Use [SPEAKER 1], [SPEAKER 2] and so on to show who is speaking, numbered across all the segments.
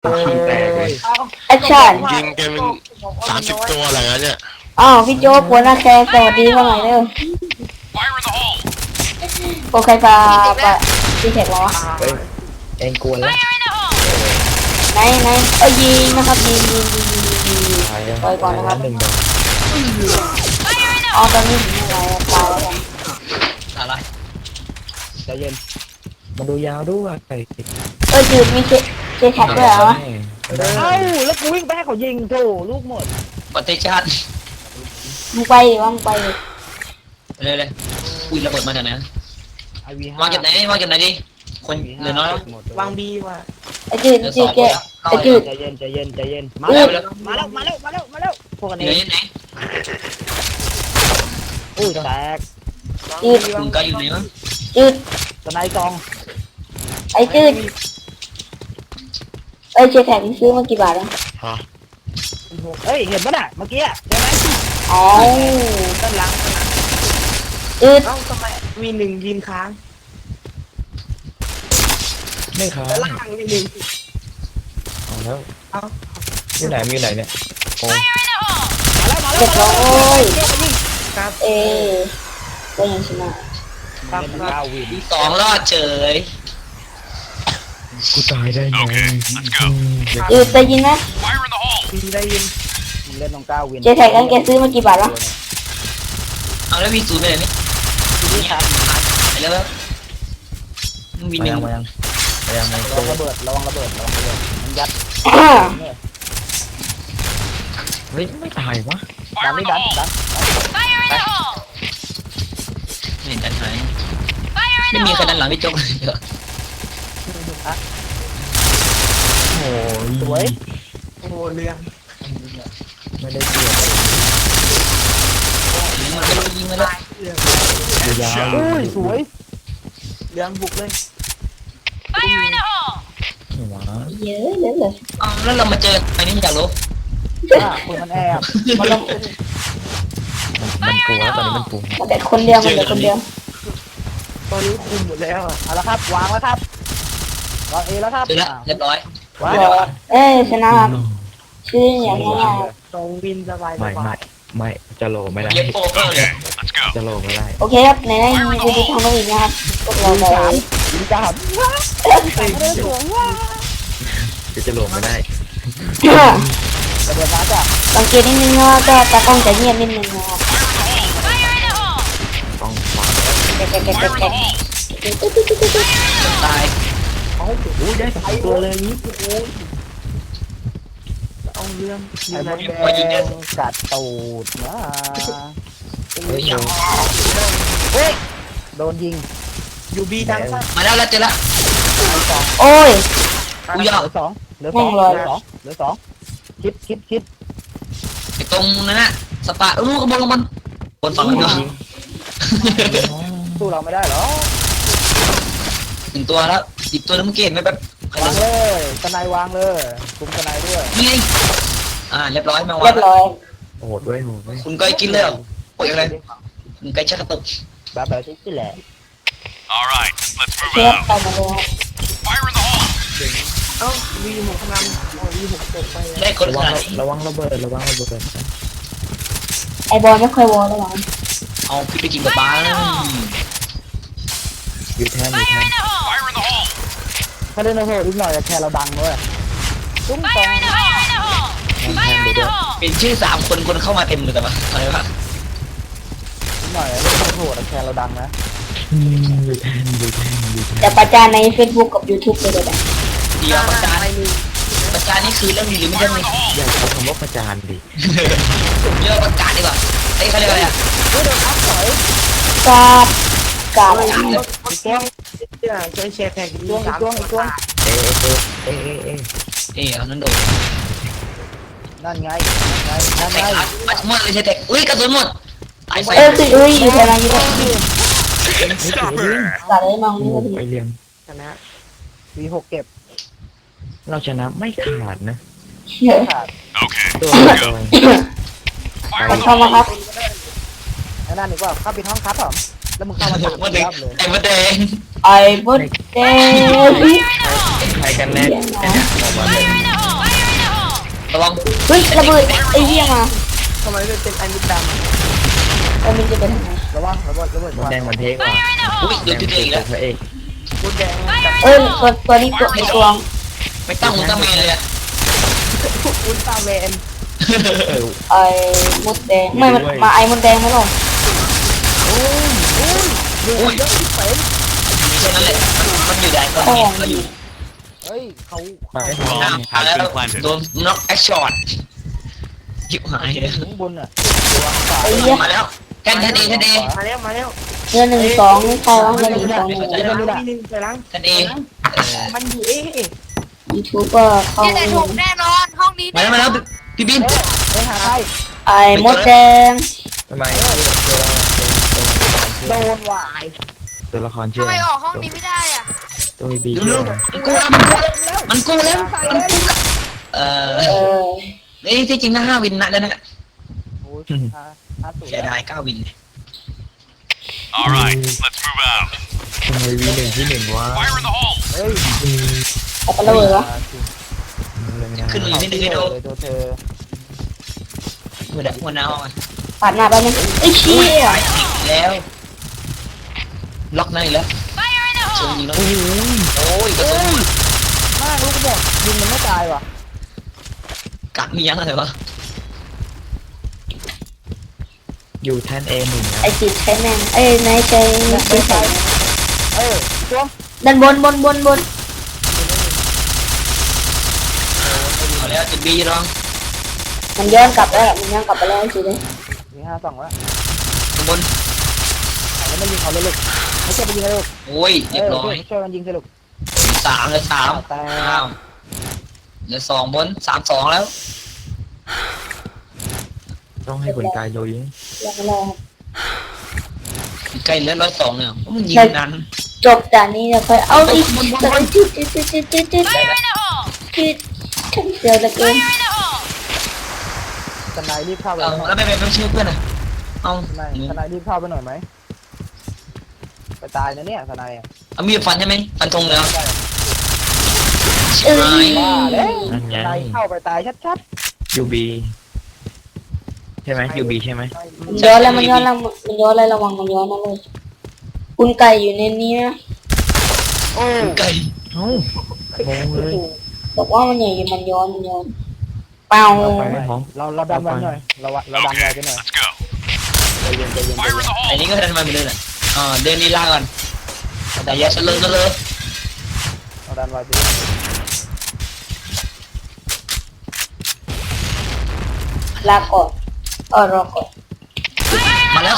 [SPEAKER 1] ขี้แตกเลย
[SPEAKER 2] แอคชั่น
[SPEAKER 3] ยิงแกเป็น30 ตัวอะไรเงี้ยเนี่ย
[SPEAKER 2] อ้าวพี่โจ๊กหัวหน้าแคร์สวัสดีว่าไงเร็วโอเคปะพี่เสกเหรอ
[SPEAKER 1] เฮ้ยเองกวนแล้ว
[SPEAKER 2] ไหนยิงนะครับยิงปล่อยก่อนนะครับ
[SPEAKER 1] หนึ่งดอก
[SPEAKER 2] อ๋อตอนนี้ถึงอะไรตายแล้ว
[SPEAKER 4] อะไร
[SPEAKER 1] ใจเย็นมาดูยาวด้วยไอ้
[SPEAKER 2] จืดมีเจแท็กด้วยเหรอ
[SPEAKER 1] เอ้าแล้วกูวิ่งไปให้เขายิงโถลูกหมด
[SPEAKER 4] ปฏิชาติ
[SPEAKER 2] มึงไปดิว่ามึงไปดิ
[SPEAKER 4] เลยอุ้ยระเบิดมาจากไหน
[SPEAKER 1] ไอวีห้
[SPEAKER 4] วางเก็บไหนดิคนเหลือน้อยแล้ว
[SPEAKER 1] วางบีว่ะ
[SPEAKER 2] ไอ้จืด
[SPEAKER 4] เหลือ
[SPEAKER 2] จื
[SPEAKER 4] ส
[SPEAKER 2] ด
[SPEAKER 4] อง
[SPEAKER 2] ไอ้จืด
[SPEAKER 1] ใจเย็นมา
[SPEAKER 4] มา
[SPEAKER 1] แล้
[SPEAKER 4] แล้ว ว
[SPEAKER 1] มาแล้วพวกกัน
[SPEAKER 4] เห
[SPEAKER 1] เอ
[SPEAKER 4] ลือง ยังไง
[SPEAKER 1] อุ้ยแตก
[SPEAKER 2] จืด
[SPEAKER 4] คุณก็อยู่ไหนวะ
[SPEAKER 2] จืด
[SPEAKER 1] สไนกอง
[SPEAKER 2] ไอ้จืดเจแท็กนี่ซื้อมากี่บาทแล้ว
[SPEAKER 3] ฮะ
[SPEAKER 1] เอ้ยเห็นปะน่ะเมื่อกี้ใช่ไหม
[SPEAKER 2] อ๋อ
[SPEAKER 1] ด้านหลัง
[SPEAKER 2] จืด
[SPEAKER 1] เอ้าทำไมมีหนึ่งยิงค้างไม่ค้างด้านล่างมีหนึ่งเอาแล้วอยู่ไหนเนี่ยโอ้มาแล้ว
[SPEAKER 2] เจ็บร้อย
[SPEAKER 1] ครับ
[SPEAKER 2] ก็ยังชนะ
[SPEAKER 1] ครับวิน
[SPEAKER 4] สองรอดเฉย
[SPEAKER 1] กูตายได้ไง
[SPEAKER 2] จืดได้ยินไหม
[SPEAKER 1] ได้ยินเล่นน้องก้าววิน
[SPEAKER 2] เจแท็กนั้นแกซื้อมากี่บาทวะ
[SPEAKER 4] เอาแล้วมีศูนย์ไปไหนนี่
[SPEAKER 1] นี่ครับ
[SPEAKER 4] ไปแล้วมีหนึ่ง
[SPEAKER 1] ระวังระเบิดมันยัดเฮ้ยไม่ตายวะดันไม่ดัน
[SPEAKER 4] เห็นดันหายไม่มีใครดันหลังพี่โจ๊กเลยเหรอ
[SPEAKER 1] โอ้ยสวยโอ้เรื่องไม่ได้เกี่ยว
[SPEAKER 4] มันไม่รู้ยิงมาแล้ว
[SPEAKER 1] ยาวอุ้ยสวยเรื่องบุกเลยว้า
[SPEAKER 2] เยอะเลย
[SPEAKER 4] อ้าวแล้วเรามาเจออันนี้อยากรู้
[SPEAKER 1] คนมันแอบมันกลัวแล้วตอนนี้มันกลัว
[SPEAKER 2] มันเด็กคนเดียวมันเด็กคนเดียว
[SPEAKER 1] ตอนนี้คุมหมดแล้วเอาละครับวางแล้วครับวางเอแล้วครับ
[SPEAKER 4] เจอแล้วเรียบร้อย
[SPEAKER 1] ว้า
[SPEAKER 2] ชนะครับชื่ออย่างนี้อ่ะ
[SPEAKER 1] ตรงวินสบายไม่จะโลไม่ได้
[SPEAKER 4] เย็บโฟเกอร์เลย
[SPEAKER 1] จะโลไม่ได้
[SPEAKER 2] โอเคครับในนี้มีวิธีทำอีกนะครับพวกเราเลย
[SPEAKER 1] ยิงจับจะโลไม่ได้กระโดดมาจ้ะ
[SPEAKER 2] สังเกตนิดนึงว่าก็ตากล้องจะเงียบนิดนึงนะครับ
[SPEAKER 1] ต้องฟัง
[SPEAKER 2] แก
[SPEAKER 4] ตาย
[SPEAKER 1] เอาโอ้ยได้2 ตัวเลยนี่โอ้ยเอาเรื่องไอ้มดแดงกัดตูดนะเฮ้ยโดนยิงยูบีดังซะ
[SPEAKER 4] มาแล้วเจอแล้ว
[SPEAKER 2] โอ้ย
[SPEAKER 4] อุ้ยอ่ะ
[SPEAKER 1] เหลือ 2เหลือ 2คิด
[SPEAKER 4] ไอ้ตรงนั้นน่ะสปาลูกกระบอกมันบนฝั่งนั้นเนาะ
[SPEAKER 1] สู้เราไม่ได้หรอ
[SPEAKER 4] หนึ่งตัวแล้วอีกตัวนึงเมื่อกี้ไม่แบบใคร
[SPEAKER 1] วางเลยสไนวางเลยคุมสไนด้วย
[SPEAKER 4] นี่ไงเรียบร้อยแมว
[SPEAKER 2] เรียบร้อย
[SPEAKER 1] โหดด้วย
[SPEAKER 4] คุณก้อยกินเลยโอ้ยอะไรคุณก้อยชักกระตุก
[SPEAKER 1] แบบที่แหละ
[SPEAKER 5] All right, let's
[SPEAKER 2] เช
[SPEAKER 5] move
[SPEAKER 2] ฟ
[SPEAKER 5] out.
[SPEAKER 2] ไปมาเลยครับ
[SPEAKER 5] Fire in the hole.
[SPEAKER 4] ได้คนขนาดนี้
[SPEAKER 1] ระวังระเบิด
[SPEAKER 2] ไอบอลไม่ค่อยวอลแล้วหรอ
[SPEAKER 4] เอาพี่ไปกินกับปลาแล้ว
[SPEAKER 1] อยู่แทน
[SPEAKER 5] Fire in the hole.
[SPEAKER 1] ถ้าเล่นโหดอีกหน่อยจะแค่เราดังด้วยตุ้มตองแทนดูด้วย
[SPEAKER 4] เป็นชื่อ3 คนคนเข้ามาเต็มเลยแต่ว่าอะไรวะ
[SPEAKER 1] อีกหน่อยเล่นโหดแค่เราดังนะอยู่แทน
[SPEAKER 2] จะประจานใน Facebook กับ YouTube เลยก็ได้
[SPEAKER 4] เดียวประจานนี่คือเรื่องดีหรือไม่ใช่นี่
[SPEAKER 1] อย่าใช้คำว่าประจานดิ
[SPEAKER 4] เรื่องประกาศดีกว่าไอ้เขาเรียกอะไรอ่ะ
[SPEAKER 2] กาดกาด
[SPEAKER 1] อีกตัวเอ
[SPEAKER 4] เอานั่นโดน
[SPEAKER 1] นั่นไง
[SPEAKER 4] แตกมาหมดเลยใช่แตกอุ้ยกระสุนหมดตายไฟ
[SPEAKER 2] คืออยู่แถวนั้นอยู่
[SPEAKER 5] Stopper.
[SPEAKER 2] กาดเลยมองนี่พอดี
[SPEAKER 1] ไปเรียงชนะV6เก็บ เราชนะไม่ขาดนะ
[SPEAKER 2] เยอะ
[SPEAKER 1] ขาด
[SPEAKER 5] Okay,
[SPEAKER 1] ตัว
[SPEAKER 5] let's go.
[SPEAKER 2] ขอเข้ามาครับ
[SPEAKER 1] ไอ้นั่นดีกว่าเข้าไปห้องครับผมแล้วมึงเข้ามา
[SPEAKER 4] มาแดง
[SPEAKER 1] เลย
[SPEAKER 4] ไอ้มาแดง
[SPEAKER 2] ไอ้บดเดย์
[SPEAKER 1] ใครกันแน่
[SPEAKER 2] เสียงนะ
[SPEAKER 1] ออกมาเลย
[SPEAKER 4] ระวัง
[SPEAKER 2] เฮ้ยระเบิดไอ้เหี้ยมา
[SPEAKER 6] ทำไมเป็นไอ้มิดด
[SPEAKER 2] แล้วมันจะไปทางไหน
[SPEAKER 6] ำระวังระเบิด
[SPEAKER 1] มดแดงมันเทกว่ะ
[SPEAKER 4] อุ้ยโดนจุดเองอีกแล้ว
[SPEAKER 1] พระเอก
[SPEAKER 6] มุดแดง
[SPEAKER 2] เอ้ยตัวนี้ตัวในตัว
[SPEAKER 4] ไม่ตั้งมุนตั้งเมนเลยอะ
[SPEAKER 6] อุลตร้าแมน
[SPEAKER 1] เออ
[SPEAKER 2] ไอ้มดแดงไม่มันมาไอ้มดแดงไหมหรอ
[SPEAKER 6] ดูเยอะที่เป็น
[SPEAKER 4] แค่นั้นแหละมันอยู่ได้ก็
[SPEAKER 2] พ่อ
[SPEAKER 4] มี
[SPEAKER 2] ง
[SPEAKER 4] ก็อยู่
[SPEAKER 6] เฮ้ยเขา
[SPEAKER 1] มาให้พร้อม
[SPEAKER 4] เอาแล้วโดนน็อกแอคช็อตยิบหายเลย
[SPEAKER 6] ข้างบนอ่ะ
[SPEAKER 2] ไอ้เหี้ย
[SPEAKER 4] มาแล้วแค่นั้นเองแค่นั้นเอง
[SPEAKER 6] มาแล้ว
[SPEAKER 2] เนื้อ1 2นี่ใครวะเนื้อ1 2
[SPEAKER 6] ไปล้างนิดนึงไปล้าง
[SPEAKER 4] แค่นั้นเอง
[SPEAKER 6] มันอยู่เอ๊ะ
[SPEAKER 2] ยูทูบก็เข้า
[SPEAKER 7] นี่แต่ถูกแน่นอนห้องนี้
[SPEAKER 4] มาแล้วพี่บิน
[SPEAKER 6] ไปหาใคร
[SPEAKER 2] ไอ้มดแดง
[SPEAKER 1] ทำไม
[SPEAKER 6] โด
[SPEAKER 1] ตัว
[SPEAKER 6] นวาย
[SPEAKER 1] ละครเชื่อ
[SPEAKER 7] ทำไมออกห้องนี้ไม่ได้อ่ะ
[SPEAKER 1] ตัวมีบี
[SPEAKER 4] ดู
[SPEAKER 1] เชื่
[SPEAKER 4] ลู
[SPEAKER 1] อก
[SPEAKER 4] มันกู้แล้วนี่ที่จริงนะ5 วินนะแล้วนะ
[SPEAKER 6] โอ้ย50
[SPEAKER 4] เสียดาย9 วิน
[SPEAKER 5] All right, let's move out.
[SPEAKER 1] ทำไมวีหนึ่งที่หนึ่งวะ
[SPEAKER 5] Fire in the hole.
[SPEAKER 6] เฮ้ย
[SPEAKER 2] เอาไประเบิดวะ
[SPEAKER 4] ขึ้นมาอยู่นิดนึงให้ดู
[SPEAKER 6] ตัวเธอ
[SPEAKER 4] หัวหน้าห้อง
[SPEAKER 2] ปาดหน้าไปบนึงไอ้เชี่ย
[SPEAKER 4] ไปอีกแล้วล็อกนั่นอีกแล้วเชิงยิงแล้วโอ้ยกระสุน
[SPEAKER 6] มากลูกบอกยิงมันไม่ตายว่ะ
[SPEAKER 4] กัดมียังอะไรวะ
[SPEAKER 1] อยู่แท่นเอหนึ่งนะ
[SPEAKER 2] ไอ้จิตใช้แม่งไอ้นายใช้
[SPEAKER 6] ไม่ตายตัว
[SPEAKER 2] ด้านบน
[SPEAKER 4] เอาแล้วจุดบีลอง
[SPEAKER 2] มันย้อนกลับแล้วมันย้อนกลับไปแล้วสิเลย
[SPEAKER 6] มี52แล้ว
[SPEAKER 4] ข้างบน
[SPEAKER 6] แล้วไม่ยิงเขาเลยลูกไม่ใช่ไปยิงเลยลูก
[SPEAKER 4] โอ้ยเรียบร้อย
[SPEAKER 6] ช่วยกันยิงสิลูก
[SPEAKER 4] 3เหลือ3
[SPEAKER 6] แต่
[SPEAKER 4] อ้าวเหลือ2บน3-2แล้ว
[SPEAKER 1] ต้องให้คนกายโยยิง
[SPEAKER 2] ยังรอ
[SPEAKER 4] ใกล้เหลือ102เนี่ยมันยิงนั้น
[SPEAKER 2] จบด่านนี้เดี๋ยวค่อยเอาอีกแต่มันจุดฉันเสียวเหลือเกิน
[SPEAKER 6] ทนายรีบเข้าไป
[SPEAKER 4] แล้วไม่ชื่อเพื่อนอ่ะเอา
[SPEAKER 6] ทนายรีบเข้าไปหน่อยไหมไปตายนะเนี่ยทนายอ่ะ
[SPEAKER 4] เอามีดฟันใช่ไหมฟันธงเลย
[SPEAKER 2] เอ้ย
[SPEAKER 6] ว่าแล้ว
[SPEAKER 1] นั่นไง
[SPEAKER 6] ทนายเข้าไปตายชัด
[SPEAKER 1] ยูบีใช่ไหมยูบีใช่ไหม
[SPEAKER 2] มันย้อนแล้วมันย้อนแล้วมันย้อนอะไรระวังมันย้อนนะเลยคุณไก่อยู่ในนี้นะ
[SPEAKER 6] ๆโอ้
[SPEAKER 4] ไก่
[SPEAKER 1] เอ้างงเลย
[SPEAKER 2] บอกว่ามันใหญ่มันย้อนเปล่า
[SPEAKER 1] ไปไม่พร้อม
[SPEAKER 6] เราดันไว้หน่อยเราดันไว้ไปหน่อย
[SPEAKER 5] Let's go.
[SPEAKER 6] ใจเย็น
[SPEAKER 5] Fire in the
[SPEAKER 4] ไอ้
[SPEAKER 5] hole.
[SPEAKER 4] นี่ก็เดินมาไปเลยแหละเดินลีลาก่อนแต่อย่าเฉลิมเลย
[SPEAKER 6] เราดันไว้ไป
[SPEAKER 2] ลาก่อนรอก่อน
[SPEAKER 4] มาแล้ว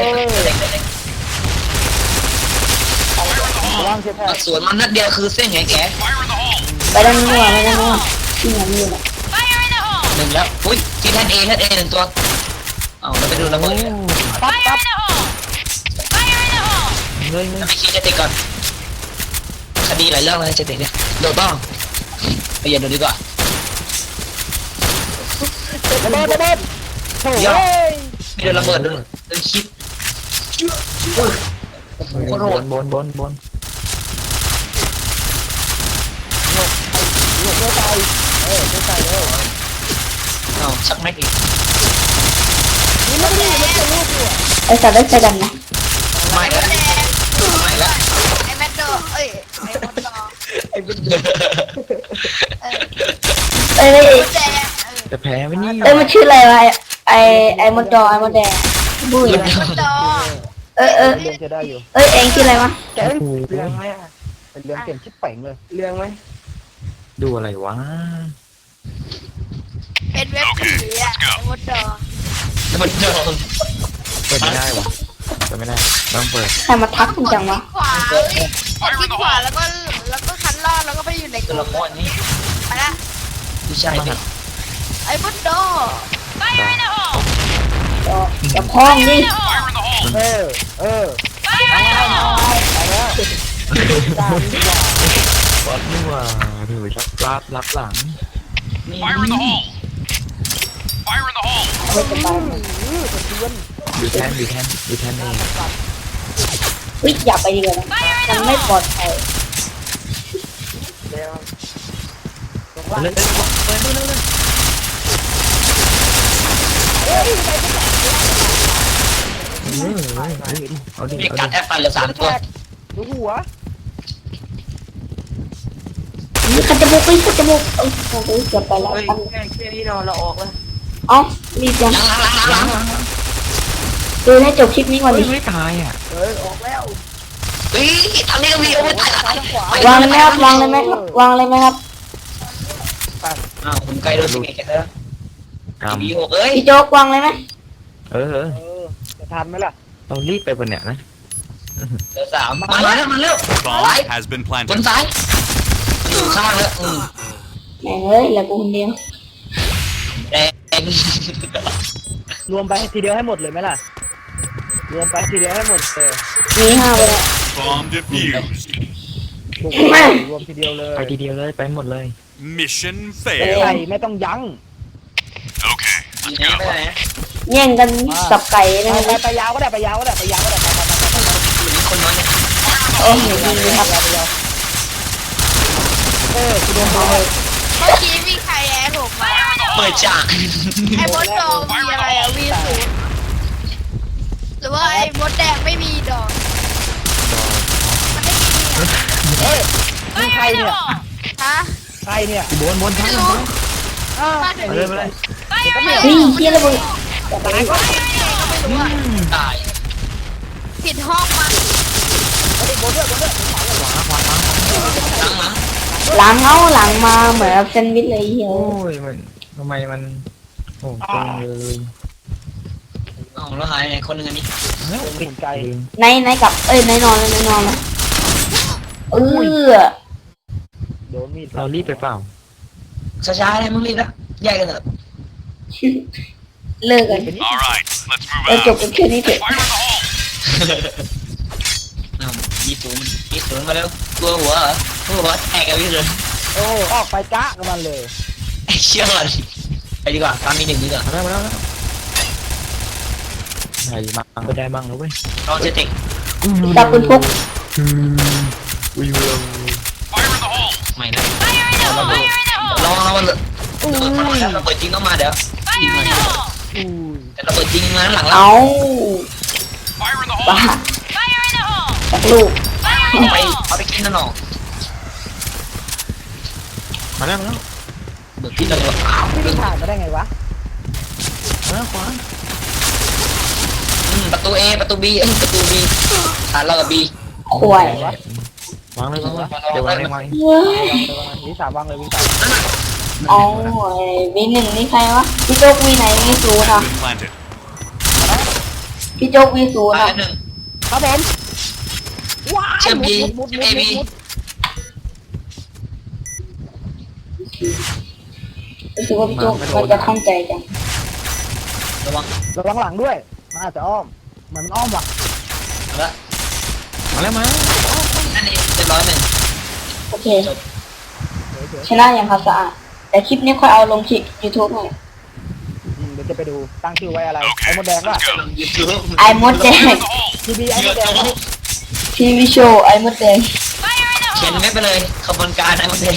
[SPEAKER 6] ระวังเชฟแพท
[SPEAKER 4] สวนมันนัดเดียวคือเส้นแง่
[SPEAKER 5] Fire in the hole.
[SPEAKER 2] ไปด้านนู้นที่ไหนมีน่ะ
[SPEAKER 4] หนึ่งแล้วอุ้ยที่แท่นเอหนึ่งตัวเอาเราไปดูระเบิด
[SPEAKER 6] ปั๊บ
[SPEAKER 1] เงย
[SPEAKER 4] จะไปคิดจะติดก่อนคดีหลายเรื่องเลยจะติดเนี่ยโดดบ้างไปเย็นดูดีกว่า
[SPEAKER 6] ระเบิดโถ่
[SPEAKER 4] มีเดินระเบิดด้วยเดินคิดโอ้โหโคตรโหด
[SPEAKER 1] บน
[SPEAKER 6] ลูกเพื่อตายเพื่อตายเร็ว
[SPEAKER 4] เอาชักแม็กอีก
[SPEAKER 6] นี่ไม่ได้ไม่ใช่ลูกอยู่
[SPEAKER 2] ไอ้สัตว์ได้ใจดำนะ
[SPEAKER 4] ไม่แล้วไม่แล้ว
[SPEAKER 7] ไอ้แมดโดเอ้ยไอ้มดดอ
[SPEAKER 6] ไอ้บิ๊ก
[SPEAKER 2] เอ้ย
[SPEAKER 7] มดแดง
[SPEAKER 1] จะแพ้ไหมนี่
[SPEAKER 2] มันชื่ออะไรวะไอ้มดดอไอ้มดแดงบุ้ย
[SPEAKER 7] มดดอ
[SPEAKER 6] เรื่องจะได้อยู่
[SPEAKER 2] เองชื่ออะไรวะ
[SPEAKER 6] แกเรื่องไหมเป็นเรื่องเก่งชิบเป่งเลยเรื่องไหม
[SPEAKER 1] ดูอะไรวะ
[SPEAKER 7] เป็นเว็บผีอ่ะไอ้มดดอ
[SPEAKER 4] แล้วมันโดน
[SPEAKER 1] เปิดไม่ได้วะเปิดไม่ได้ต้องเปิด
[SPEAKER 2] ใครมาทักคุณจังวะ
[SPEAKER 7] ขวาเอ้ยกดที่ขวาแล้วก็คันลอดแล้วก็ไปอยู่ในก
[SPEAKER 4] ตัว
[SPEAKER 7] ลุ่
[SPEAKER 4] ละ
[SPEAKER 7] ม
[SPEAKER 4] ครนี้
[SPEAKER 7] ไปละ
[SPEAKER 4] ผู้ชายดิ
[SPEAKER 7] ไอ้มดดอ
[SPEAKER 2] อย่าพ้องดิ
[SPEAKER 5] Fire in the hole.
[SPEAKER 6] ไปแล้วตามดีกว่า
[SPEAKER 1] บอสนี่ว่าถือชักรับหลัง
[SPEAKER 4] นี่
[SPEAKER 5] Fire in the hole. Fire in the hole.
[SPEAKER 2] ไม่สบาย
[SPEAKER 1] อยู่แท่นเอง
[SPEAKER 2] วิอย่าไปดีกว่านะมันไม่ปลอดภัย
[SPEAKER 6] เดี๋ยว
[SPEAKER 4] เลย
[SPEAKER 1] เอาดิ
[SPEAKER 4] มี
[SPEAKER 1] เอา
[SPEAKER 4] กัด
[SPEAKER 1] ดิ
[SPEAKER 4] แอปฟันเหลือ3 ตัว
[SPEAKER 6] ดูหัว
[SPEAKER 2] นี่ขัดจมูกไปขัดจมูกเอ้ยโอ้ยเกือบไปแล้ว
[SPEAKER 4] เฮ้ย
[SPEAKER 2] ตั้ง
[SPEAKER 4] แค่นี้เราออกแล้ว
[SPEAKER 2] เอ๋อรีบจัง
[SPEAKER 4] ล้าง
[SPEAKER 2] ดูให้จบคลิปนี้ก่อนดิ
[SPEAKER 1] ไม่ตายอ่ะ
[SPEAKER 6] ออกแล้ว
[SPEAKER 4] เฮ้ยทางนี้ก็มีโอ้ยตาย
[SPEAKER 6] ซ้ายขวาว
[SPEAKER 2] างเลยไหมครับวางเลยไหมครับวางเลยไหมครับ
[SPEAKER 4] อ้าวผมไกลโดนสิแกแล้ว
[SPEAKER 1] กรรม
[SPEAKER 4] มี6เอ้ย
[SPEAKER 2] พี่โจ๊กวางเลยไหม
[SPEAKER 1] เออ
[SPEAKER 6] จะทันไหมล่ะ
[SPEAKER 1] เรารีบไปบนเนี่ยนะ
[SPEAKER 4] เหลือ3มาแล้ว
[SPEAKER 5] Bomb has been
[SPEAKER 4] บ
[SPEAKER 5] planted.
[SPEAKER 4] นซ้ายอยู่ข้างแล้ว
[SPEAKER 2] แหมเฮ้ยเหลือกูคนเดียว
[SPEAKER 4] แดง
[SPEAKER 6] รวมไปทีเดียวให้หมดเลยไหมล่ะรวมไปทีเดียวให้หมด
[SPEAKER 2] มี5ไปแล้ว
[SPEAKER 5] Bomb defused.
[SPEAKER 6] บุกรวมทีเดียวเลย
[SPEAKER 1] ไปทีเดียวเลยไปหมดเลย
[SPEAKER 5] Mission
[SPEAKER 6] ใส่
[SPEAKER 5] failed.
[SPEAKER 6] ไม่ต้องยั้ง
[SPEAKER 5] Okay,
[SPEAKER 4] มี
[SPEAKER 5] let's
[SPEAKER 4] ไหน
[SPEAKER 5] go.
[SPEAKER 4] ไปไหน
[SPEAKER 2] แย่งกันสับไก่นะ
[SPEAKER 6] ไป
[SPEAKER 2] ครับ
[SPEAKER 6] ไปยาวก็ได้ไปยาวก็ได้ไปยาวก็ได้ไป
[SPEAKER 4] อยู่นี่คนน้อยเนี่ย
[SPEAKER 2] โอ้โหดีครับ
[SPEAKER 6] คุณโดนไป
[SPEAKER 7] เมื่อกี้มีใครแอดผมมา
[SPEAKER 4] เปิดฉาก
[SPEAKER 7] ไอ้มดดองมีอะไรอะวีศูนย์หรือว่าไอ้มดแดงไม่มีดอกมันไม่มีอะ
[SPEAKER 6] นี่ใครเนี่ย
[SPEAKER 7] ฮะ
[SPEAKER 6] ใครเนี่ย
[SPEAKER 1] บน
[SPEAKER 7] ไม่รู้
[SPEAKER 6] มา
[SPEAKER 1] ไปเลยไปเลย
[SPEAKER 2] เฮ้ยเฮียระเบิด
[SPEAKER 6] ตายก็
[SPEAKER 7] ไม่รู้อะ
[SPEAKER 4] ตาย
[SPEAKER 7] ผิดห้องมา
[SPEAKER 6] บนด้วย
[SPEAKER 4] หลัง
[SPEAKER 2] หลังมาเหมือนแซนด์วิชเลยเฮีย
[SPEAKER 1] โอ้ยมันทำไมมันโอ้ตรงเลย
[SPEAKER 4] อ๋อแล้วหายไหนคนหนึ่งอันนี้
[SPEAKER 6] หมุนไกล
[SPEAKER 2] ในกับในนอนเลยในนอนเลย
[SPEAKER 6] โดนมีด
[SPEAKER 1] เรารีบไปเปล่า
[SPEAKER 4] ช้าๆเลยมึงรีบนะแยกกันเถอะ
[SPEAKER 2] เลิกกัน
[SPEAKER 5] All right, let's
[SPEAKER 2] แล้ว
[SPEAKER 5] move
[SPEAKER 2] จ
[SPEAKER 5] out.
[SPEAKER 2] บกันแค่นี้เถอะ
[SPEAKER 5] Fire in the hole.
[SPEAKER 4] 20มาแล้วตัวหัวเหรอตัวหัวแตกกันพี่เลย
[SPEAKER 6] โอ้ออกไปกะกับมันเลย
[SPEAKER 4] ไอ้เชี่ยเลยไปดีกว่าตามมี1ดีกว่า
[SPEAKER 1] มาแล้วใส่มาไปได้บ้างแล้วเว้ย
[SPEAKER 4] ลองเจติก
[SPEAKER 2] จับคุณพก
[SPEAKER 1] อุ้ย
[SPEAKER 5] Fire in the hole.
[SPEAKER 4] ไม่นะลองมันเลยระเบิดจริงต้องมาเดี๋ยวยิงมาแต่ระเบิดจริงมาหลังเรา
[SPEAKER 2] เอา
[SPEAKER 5] Fire in the
[SPEAKER 2] บ้า
[SPEAKER 5] hole.
[SPEAKER 2] จากลูก
[SPEAKER 4] เอาไปกินนั่นหรอ
[SPEAKER 1] มาแล้ว
[SPEAKER 4] เบิกที่เราเลยอ้าว
[SPEAKER 6] พี่ผ่านมาได้ไงวะ
[SPEAKER 1] ขวา
[SPEAKER 4] ประตู A ประตู B ประตู B ฐานเรากับ B
[SPEAKER 2] ข่วยว
[SPEAKER 1] างเลยเดี๋ยววางเลย
[SPEAKER 6] วิสาวางเลยวิสา
[SPEAKER 2] เอาวีหนึ่งนี่ใครวะพี่โจ๊กวีไหนวีศูนย์
[SPEAKER 5] Has
[SPEAKER 2] อ่ะ
[SPEAKER 5] been planted.
[SPEAKER 2] พี่โจ๊กวีศูนย์
[SPEAKER 4] ตาย
[SPEAKER 2] อ่ะ
[SPEAKER 4] หนึ่ง
[SPEAKER 6] ครับผมว้า
[SPEAKER 4] เชื่อม B
[SPEAKER 6] มุด
[SPEAKER 4] เชื่อม A B
[SPEAKER 2] รู้สึกว่าพี่โจ๊กมันจะข้องใจจัง
[SPEAKER 4] ระวัง
[SPEAKER 6] ระวังหลังด้วยมันอาจจะอ้อมเหมือนมันอ้อมว่ะ
[SPEAKER 4] แล้ว
[SPEAKER 1] มาแล้วมา
[SPEAKER 4] นั่นเองเรียบร้อยหนึ่ง
[SPEAKER 2] โอเคชนะอย่างครับสะอาดแต่คลิปนี้ค่อยเอาลงคลิป YouTube หน่อย
[SPEAKER 6] เดี๋ยวจะไปดูตั้งชื่อไว้อะไรไอ้มดแดงว่ะ
[SPEAKER 5] Let's go.
[SPEAKER 4] ยูทูบ
[SPEAKER 2] ไอ้มดแดง
[SPEAKER 5] Fire in the hole.
[SPEAKER 6] ทีวีไอ้มดแดง
[SPEAKER 2] ทีวีโชว์ไอ้มดแดง
[SPEAKER 4] เขียนไม่ไปเลยขบวนการไอ้มันเอง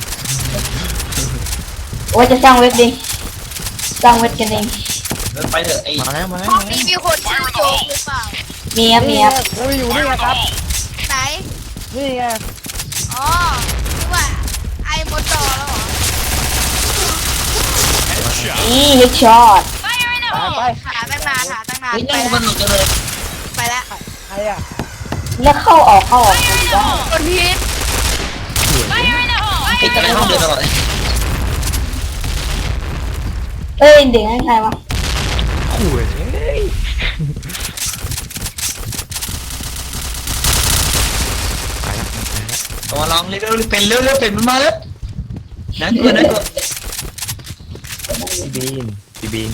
[SPEAKER 2] ว่าจะสร้างเว็บดิสร้างเว็บกันเอง
[SPEAKER 4] ไปเถอะไอ้
[SPEAKER 1] มาแล้ว
[SPEAKER 7] ห้องนี้มีคนชื่อโจ๊กหรือเปล่า
[SPEAKER 2] มีครับมีครับ
[SPEAKER 6] อุ้ยอยู่นี่
[SPEAKER 5] Fire
[SPEAKER 6] ไง
[SPEAKER 5] in
[SPEAKER 6] ค
[SPEAKER 5] the
[SPEAKER 6] รับ
[SPEAKER 5] hole.
[SPEAKER 7] ไหน
[SPEAKER 6] นี่ไง
[SPEAKER 7] อ๋อคือว่าไอ้มดดอแล้วเหรอ
[SPEAKER 5] Headshot.
[SPEAKER 2] นี่ฮิตช็อต
[SPEAKER 6] ไปไป
[SPEAKER 7] หาตั้งนาน
[SPEAKER 4] เฮ้ย
[SPEAKER 7] ไป
[SPEAKER 4] นั่ง
[SPEAKER 7] แล้ว
[SPEAKER 4] มันหนุกจังเลย
[SPEAKER 7] ไปแล้ว
[SPEAKER 6] ใครอ่ะ
[SPEAKER 2] แล้วเข้าออกได้
[SPEAKER 7] คนพีท
[SPEAKER 4] ปิดกันในห้องเดินตลอดเลย
[SPEAKER 2] เอ้ยเด็กนั่นใครวะ
[SPEAKER 1] ขู่เลยไปแล้ว
[SPEAKER 4] ตัวลองเร็วๆเป็นเร็วเป็นมันมาแล้วนั่นกลัว
[SPEAKER 1] พี่บีน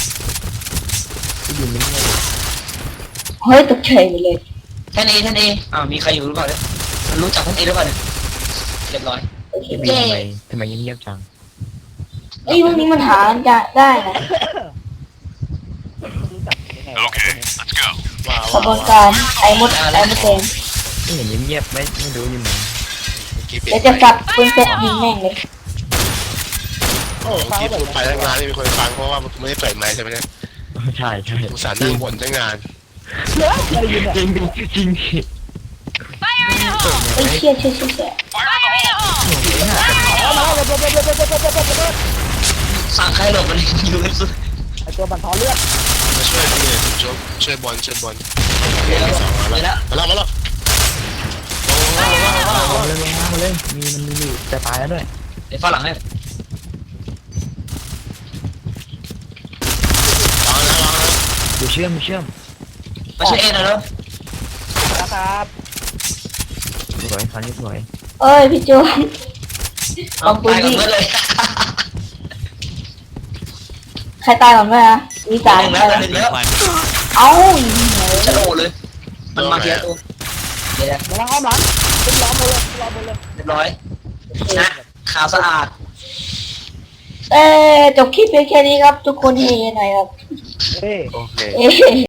[SPEAKER 1] ไม่
[SPEAKER 2] เฮ้ยตกใจหมดเลย
[SPEAKER 4] แท่นเออ้าวมีใครอยู่หรือเปล่าเนี่ยมันรู้จักแท่นเอหรือเปล่าเนี่ยเรียบร้อย
[SPEAKER 2] โอเค
[SPEAKER 1] พี่บีนทำไมเงียบจัง
[SPEAKER 2] เอ้ยพวกนี้มันหาจะได้นะ
[SPEAKER 6] รู้จักยังไง
[SPEAKER 5] Okay, let's go.
[SPEAKER 2] กระบวนการไอ้มดแดง
[SPEAKER 1] ไม่เห็นเงียบไม่รู้อยู่ไหน
[SPEAKER 2] เดี๋ยวจะสับปืนเซ็ตยิงแม่งเลย
[SPEAKER 6] โอ้ฟัง
[SPEAKER 3] ที่
[SPEAKER 6] แบบ
[SPEAKER 3] พูดไปตั้งนานไม่มีคนฟังเพราะว่ามันไม่ได้เปิดไมค์ใช่ไหมเนี่ย
[SPEAKER 1] ใช่ใช่
[SPEAKER 3] อุตส่าห์นั่งบ่นตั้งนาน
[SPEAKER 6] เหลืออะไรยินเนี่ย
[SPEAKER 1] จริงดิจริงดิ
[SPEAKER 2] ไอ้เชี่ยเชี่ยเชี่ยเชี่ย
[SPEAKER 6] เอามาแล้วเร็ว
[SPEAKER 4] สั่งใครหลบมันอยู่กันสุด
[SPEAKER 6] ไอ้ตัวบันทอนเลือด
[SPEAKER 3] มาช่วยพี่เนี่ยคุณโจ๊กช่วยบอลสองมา
[SPEAKER 4] เลย
[SPEAKER 3] แล้ว
[SPEAKER 4] ละ
[SPEAKER 3] มาแล้ว
[SPEAKER 1] เอาเลยมาเลยมันมีอยู่จะตายแล้วด้วย
[SPEAKER 4] เดี๋ยวฝรั่งให้
[SPEAKER 3] วางแล้ว
[SPEAKER 1] ดูเชื่อม
[SPEAKER 4] ไม่ใช่เอ็นนะเนาะ
[SPEAKER 6] นะครับ
[SPEAKER 1] สวยคราวนี้สวย
[SPEAKER 2] เอ้ยพี่จูน
[SPEAKER 4] เอาตายกันเมื่อเลย
[SPEAKER 2] ใครตายก่อนไหมอะมีสาม
[SPEAKER 4] หนึ่ง
[SPEAKER 2] ใคร
[SPEAKER 4] แล้ว
[SPEAKER 2] วะ
[SPEAKER 4] หนึ่งแล้ว
[SPEAKER 2] เอ้ายิงเหรอ
[SPEAKER 4] ฉันโอเลยมันมาเทียตัวเดี๋ยว
[SPEAKER 6] กำลังอ้อมหลังเป็นล้อมหมดเลยล้อมหมดเลย
[SPEAKER 4] เรียบร้อยนะขาวสะอาด
[SPEAKER 2] จบคลิปเพียงแค่นี้ครับ ทุกคนเฮหน่อยครับ
[SPEAKER 6] เฮ้ย
[SPEAKER 1] โอเค
[SPEAKER 2] เอ้